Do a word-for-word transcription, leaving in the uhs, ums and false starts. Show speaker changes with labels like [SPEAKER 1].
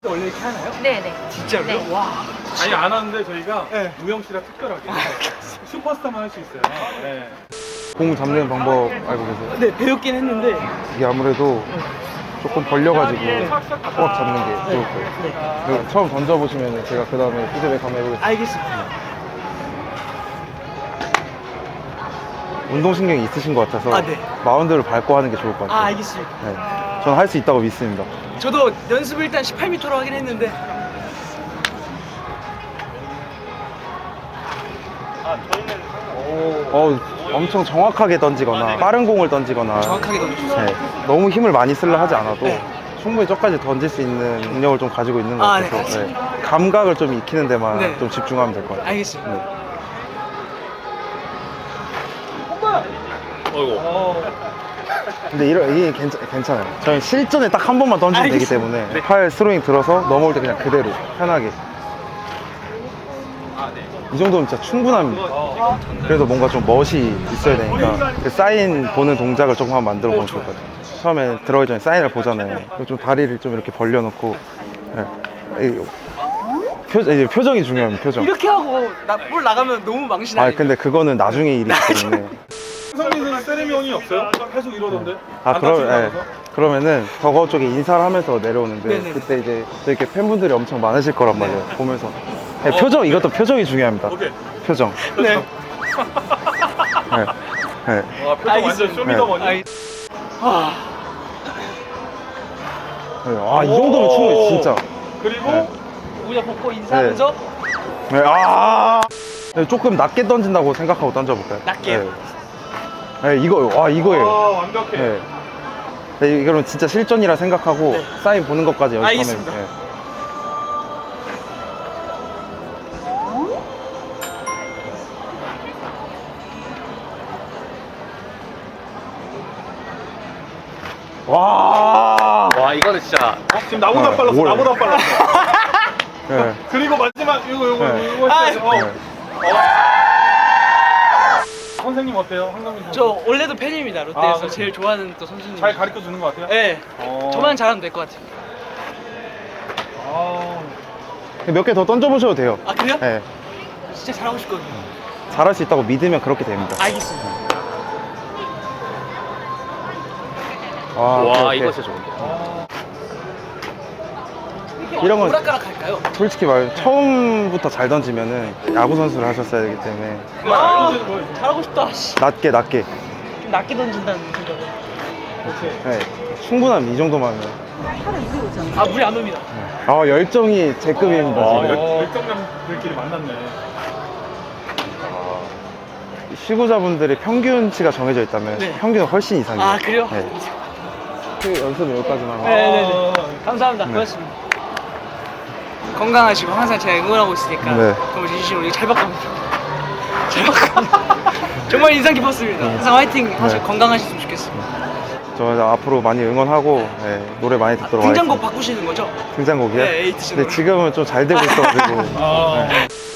[SPEAKER 1] 원래 이렇게 하나요?
[SPEAKER 2] 네네.
[SPEAKER 1] 진짜로요?
[SPEAKER 2] 네.
[SPEAKER 1] 와.
[SPEAKER 3] 아니 안 하는데 저희가
[SPEAKER 1] 네.
[SPEAKER 3] 우영 씨랑 특별하게 슈퍼스타만 할 수 있어요. 네.
[SPEAKER 4] 공 잡는 방법 알고 계세요?
[SPEAKER 1] 네, 배웠긴 했는데.
[SPEAKER 4] 이게 아무래도 조금 벌려가지고 꽉 잡는 게 좋을 거예요.
[SPEAKER 1] 네.
[SPEAKER 4] 그리고 처음 던져보시면 제가 그 다음에 피드백 한번 해보겠습니다.
[SPEAKER 1] 알겠습니다.
[SPEAKER 4] 운동신경이 있으신 것 같아서
[SPEAKER 1] 아, 네.
[SPEAKER 4] 마운드를 밟고 하는 게 좋을 것
[SPEAKER 1] 아,
[SPEAKER 4] 같아요.
[SPEAKER 1] 알겠습니다.
[SPEAKER 4] 네. 저는 할 수 있다고 믿습니다.
[SPEAKER 1] 저도 연습을 일단 십팔 미터로 하긴 했는데.
[SPEAKER 4] 어, 엄청 정확하게 던지거나 빠른 공을 던지거나
[SPEAKER 1] 정확하게 던져주세요.
[SPEAKER 4] 네. 너무 힘을 많이 쓰려 하지 않아도
[SPEAKER 1] 네.
[SPEAKER 4] 충분히 저까지 던질 수 있는 능력을 좀 가지고 있는 것
[SPEAKER 1] 아, 네,
[SPEAKER 4] 같아서
[SPEAKER 1] 알겠습니다.
[SPEAKER 4] 네. 감각을 좀 익히는 데만
[SPEAKER 1] 네.
[SPEAKER 4] 좀 집중하면 될 것 같아요.
[SPEAKER 1] 알겠습니다.
[SPEAKER 4] 네.
[SPEAKER 3] 어이구.
[SPEAKER 4] 근데 이러, 이게 괜찮, 괜찮아요. 저는 실전에 딱 한 번만 던지면 되기
[SPEAKER 1] 알겠습니다.
[SPEAKER 4] 때문에 팔 스로잉 들어서 넘어올 때 그냥 그대로 편하게 이 정도면 진짜 충분합니다. 그래도 뭔가 좀 멋이 있어야 되니까 그 사인 보는 동작을 조금 한번 만들어 보면 좋을 것 같아요. 처음에 들어가기 전에 사인을 보잖아요. 그럼 좀 다리를 좀 이렇게 벌려놓고 네. 이 표, 이제 표정이 중요합니다. 표정.
[SPEAKER 1] 이렇게 하고 나, 볼 나가면 너무 망신아니에요?
[SPEAKER 4] 아 근데 그거는 나중에 일이기 때문에
[SPEAKER 3] 성민은 세레모니 없어요? 계속 이러던데.
[SPEAKER 4] 아
[SPEAKER 3] 안
[SPEAKER 4] 그러, 예.
[SPEAKER 3] 다치면서?
[SPEAKER 4] 그러면은 덕어 쪽에 인사를 하면서 내려오는데
[SPEAKER 1] 네네.
[SPEAKER 4] 그때 이제 이렇게 팬분들이 엄청 많으실 거란 말이에요. 보면서 네, 표정 이것도 표정이 중요합니다.
[SPEAKER 3] 오케이.
[SPEAKER 4] 표정.
[SPEAKER 1] 네.
[SPEAKER 4] 네. 네.
[SPEAKER 3] 와 표정 완전
[SPEAKER 1] 알겠습니다.
[SPEAKER 3] 쇼미더머니.
[SPEAKER 1] 알... 아,
[SPEAKER 4] 네. 아, 이 정도면 충분히 진짜.
[SPEAKER 3] 그리고
[SPEAKER 4] 네.
[SPEAKER 1] 모자 벗고 인사하면서
[SPEAKER 4] 네. 아. 네, 조금 낮게 던진다고 생각하고 던져볼까요?
[SPEAKER 1] 낮게요?
[SPEAKER 4] 네. 네, 이거, 와, 이거예요.
[SPEAKER 3] 아, 완벽해.
[SPEAKER 4] 네. 네, 이거는 진짜 실전이라 생각하고
[SPEAKER 1] 네.
[SPEAKER 4] 사인 보는 것까지 연습하면.
[SPEAKER 1] 알겠습니다.
[SPEAKER 4] 네. 와.
[SPEAKER 5] 와 이거는 진짜
[SPEAKER 3] 어? 지금 나보다
[SPEAKER 4] 어,
[SPEAKER 3] 빨랐어.
[SPEAKER 4] 뭘.
[SPEAKER 3] 나보다 빨랐어.
[SPEAKER 4] 네.
[SPEAKER 3] 그리고 마지막 이거 이거
[SPEAKER 4] 네.
[SPEAKER 3] 이거
[SPEAKER 1] 아,
[SPEAKER 3] 했어요. 어.
[SPEAKER 4] 네.
[SPEAKER 3] 선생님 어때요? 한강민 선수.
[SPEAKER 1] 저 원래도 팬입니다. 롯데에서
[SPEAKER 3] 아, 그래.
[SPEAKER 1] 제일 좋아하는 또 선수님.
[SPEAKER 3] 잘 가르쳐 주는 것 같아요?
[SPEAKER 1] 네.
[SPEAKER 3] 어.
[SPEAKER 1] 저만 잘하면 될 것 같아요.
[SPEAKER 3] 아.
[SPEAKER 4] 몇 개 더 던져보셔도 돼요.
[SPEAKER 1] 아, 그래요?
[SPEAKER 4] 네.
[SPEAKER 1] 진짜 잘하고 싶거든요.
[SPEAKER 4] 잘할 수 있다고 믿으면 그렇게 됩니다.
[SPEAKER 1] 알겠습니다.
[SPEAKER 4] 아,
[SPEAKER 5] 와
[SPEAKER 4] 오케이, 오케이.
[SPEAKER 5] 이거 진짜 좋은데.
[SPEAKER 4] 이런 건
[SPEAKER 1] 오락가락 할까요?
[SPEAKER 4] 솔직히 말 처음부터 잘 던지면은 야구 선수를 하셨어야 되기 때문에
[SPEAKER 1] 아, 잘하고 싶다. 씨.
[SPEAKER 4] 낮게 낮게.
[SPEAKER 1] 좀 낮게 던진다는 생각을.
[SPEAKER 3] 오케이.
[SPEAKER 4] 네, 충분합니다. 이 정도면.
[SPEAKER 1] 아, 물이 안 옵니다.
[SPEAKER 4] 아 열정이 제 급입니다.
[SPEAKER 3] 아,
[SPEAKER 4] 지금.
[SPEAKER 3] 열- 열정남들끼리 만났네.
[SPEAKER 4] 시구자분들의 평균치가 정해져 있다면
[SPEAKER 1] 네.
[SPEAKER 4] 평균은 훨씬 이상이에요.
[SPEAKER 1] 아, 그래요?
[SPEAKER 4] 네. 그 연습은 여기까지만 하고.
[SPEAKER 1] 네네네. 감사합니다. 고맙습니다. 건강하시고 항상 제가 응원하고 있으니까
[SPEAKER 4] 네.
[SPEAKER 1] 정말 진심으로 잘 바꿔봅니다. 잘 바꿔. 정말 인상 깊었습니다. 항상 화이팅 하시고
[SPEAKER 4] 네.
[SPEAKER 1] 건강하셨으면 좋겠습니다.
[SPEAKER 4] 저 이제 앞으로 많이 응원하고 네, 노래 많이 듣도록
[SPEAKER 1] 등장곡
[SPEAKER 4] 하겠습니다.
[SPEAKER 1] 바꾸시는 거죠?
[SPEAKER 4] 등장곡이요?
[SPEAKER 1] 네, 에이티즈
[SPEAKER 4] 근데
[SPEAKER 1] 노래.
[SPEAKER 4] 지금은 좀 잘 되고 있어가지고
[SPEAKER 3] 아.
[SPEAKER 4] 네.